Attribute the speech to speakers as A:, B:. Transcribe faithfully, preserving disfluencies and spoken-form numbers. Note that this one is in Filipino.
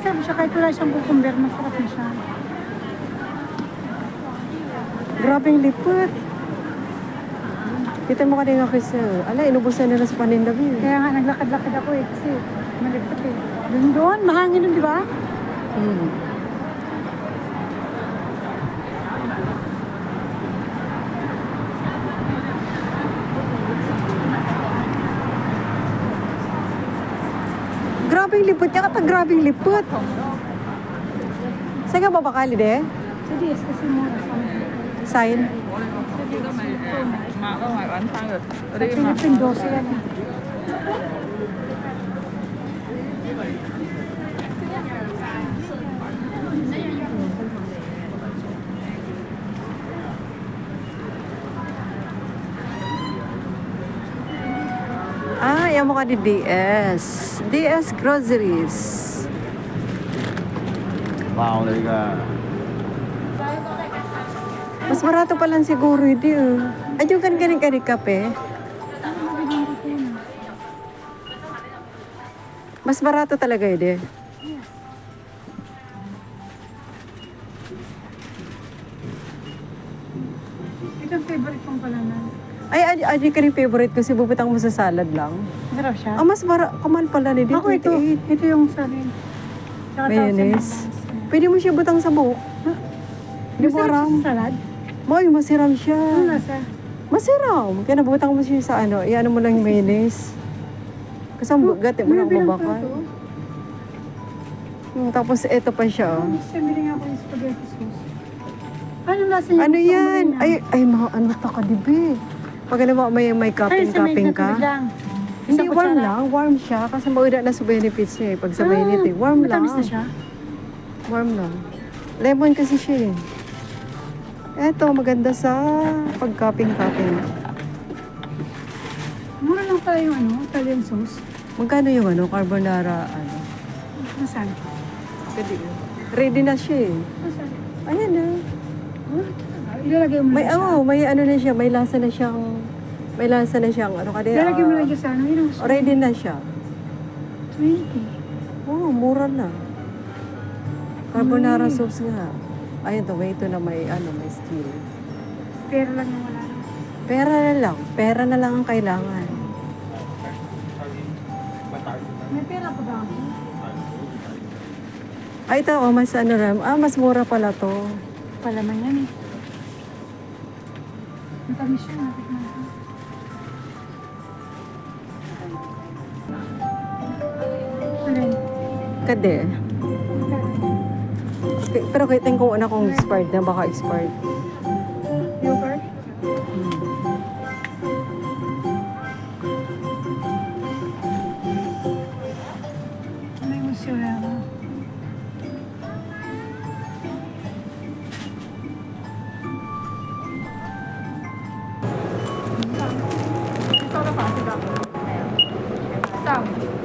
A: Masarap siya kahit wala siyang cucumber, masarap na siya.
B: Grabing lipot. Kita mo kanina kasi, ala, inubusan nila sa paninda mo.
A: Kaya nga naglakad-lakad ako eh, kasi malipot eh. Doon doon, mahangin doon, di ba?
B: Hmm. Grabing lipot niya, kata grabing lipot. Saan ka babakali, de?
A: Sa D S kasi mura sa amin.
B: Sign.
C: Mà ở ngoài bán xăng rồi. Ở
A: Sa
C: đây mà.
A: Philippine, dose yan eh.
B: Ah, yan mo ka di D S. D S Groceries.
D: Wow, đây là
B: Mas barato pa lang siguro, hindi oh. Ayun kan ganing ganing kape. Mas barato talaga yun eh.
A: Ito ang favorite kong pala na.
B: Ay, ay, ay, ka rin favorite kasi bubutang mo sa salad lang.
A: Masarap siya.
B: Ah, mas bara, kamal pala ni
A: Ako ito, ito yung sa amin. Tsaka
B: Mayonnaise. Pwede mo siya butang sa buhok. Hindi mo
A: Masarap
B: aram.
A: siya sa salad.
B: Moy, masiram siya.
A: Ano nasa?
B: Masiram. Kaya nabutang mo siya sa ano, iano mo lang yung mayonnaise. Kasi ang gati mo lang
A: Bilang
B: mabakal.
A: plato.
B: Hmm, tapos ito pa siya. oh.
A: Gusto bili nga ako yung spaghetti sauce. Ano lasa niya?
B: Ano
A: Gusto ko
B: yan?
A: muna.
B: Ay, ay, mga ano ta ka, dibi. Pag ano mo, may, may
A: Ay, sa may
B: cupping-cupping ka.
A: katulad lang.
B: Hindi,
A: Isang
B: warm
A: kutsara.
B: lang. Warm siya. Kasi mauda na sa benefits niya eh. Pag sa mainit eh. Warm lang.
A: Matamis na siya.
B: Warm lang. Lemon kasi siya eh. Eto, maganda sa pag-cupping-cupping.
A: Mura lang pala yung ano, Italian sauce.
B: Magkano yung ano, carbonara, ano?
A: Nasaan?
B: Pwede. Ready na siya eh.
A: Nasaan?
B: Ayan na.
A: Oh, ilalagay mo
B: May,
A: lang siya.
B: oh, may ano na siya. May lasa na siyang, may lasa na siyang, ano ka di,
A: Ilalagay mo
B: ah,
A: lang dyan sa ano. Yun ang gusto.
B: ready na siya.
A: twenty.
B: Oh, mura na. Carbonara
A: Mm.
B: sauce nga. Ayun to, may ito na may, ano, may skill.
A: Pero lang yung wala. lang.
B: Pera na lang. Pera na lang ang kailangan.
A: May pera pa ba ako?
B: Ay, ito, oh, mas ano ram. Ah, mas mura pala to.
A: Palaman yan eh. Matamis siya. Natikman ko. Alin?
B: Kade. K- Pero kitin ko una kung expired na, baka expired.
A: Yogurt? May musyolera.
C: Sau đó phá thì gặp. Sao?